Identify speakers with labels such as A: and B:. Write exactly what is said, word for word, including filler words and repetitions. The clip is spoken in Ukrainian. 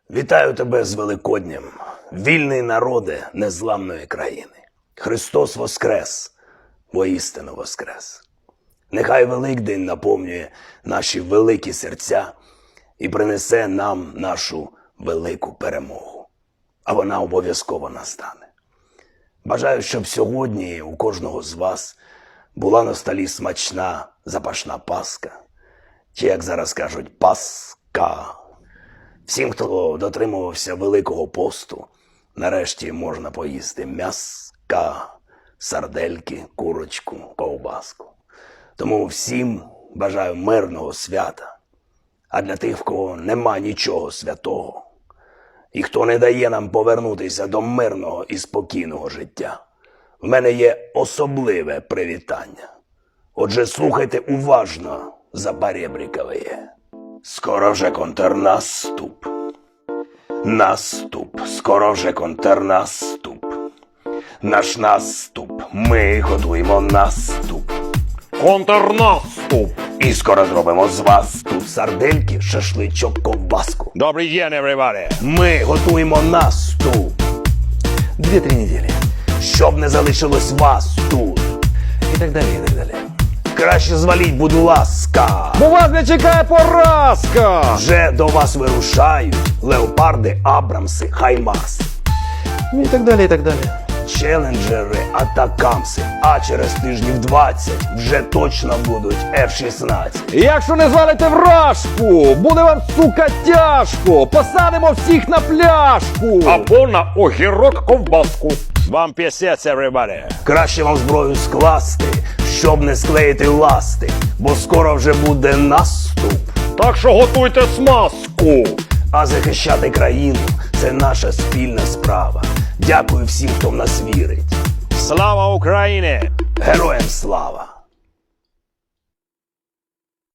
A: Вітаю тебе з Великоднем, вільний народе незламної країни. Христос воскрес, воістину воскрес. Нехай Великдень наповнює наші великі серця і принесе нам нашу велику перемогу. А вона обов'язково настане. Бажаю, щоб сьогодні у кожного з вас була на столі смачна запашна паска, чи, як зараз кажуть, паска. Всім, хто дотримувався Великого посту, нарешті можна поїсти м'яска, сардельки, курочку, ковбаску. Тому всім бажаю мирного свята. А для тих, в кого нема нічого святого, і хто не дає нам повернутися до мирного і спокійного життя, в мене є особливе привітання. Отже, слухайте уважно запорєбрікове. Скоро вже контрнаступ. Наступ, скоро вже контрнаступ. Наш наступ, ми готуємо наступ.
B: Контрнаступ!
A: І скоро зробимо з вас тут сардельки, шашличок, ковбаску.
B: Добрий день, everybody!
A: Ми готуємо наступ. Дві-три неділі. Щоб не залишилось вас тут. І так далі, і так далі. Краще зваліть, будь ласка.
B: Бо вас не чекає поразка!
A: Вже до вас вирушають леопарди, абрамси, хаймарс.
B: Ну і так далі, і так далі.
A: Челенджери, атакамси. А через тижнів двадцять вже точно будуть еф шістнадцять.
B: Якщо не звалите вражку, буде вам, сука, тяжко! Посадимо всіх на пляшку! Або на огірок ковбаску. Вам пісець, everybody!
A: Краще вам зброю скласти, щоб не склеїти ласти, бо скоро вже буде наступ.
B: Так що готуйте смазку!
A: А захищати країну – це наша спільна справа. Дякую всім, хто в нас вірить.
B: Слава Україні!
A: Героям слава!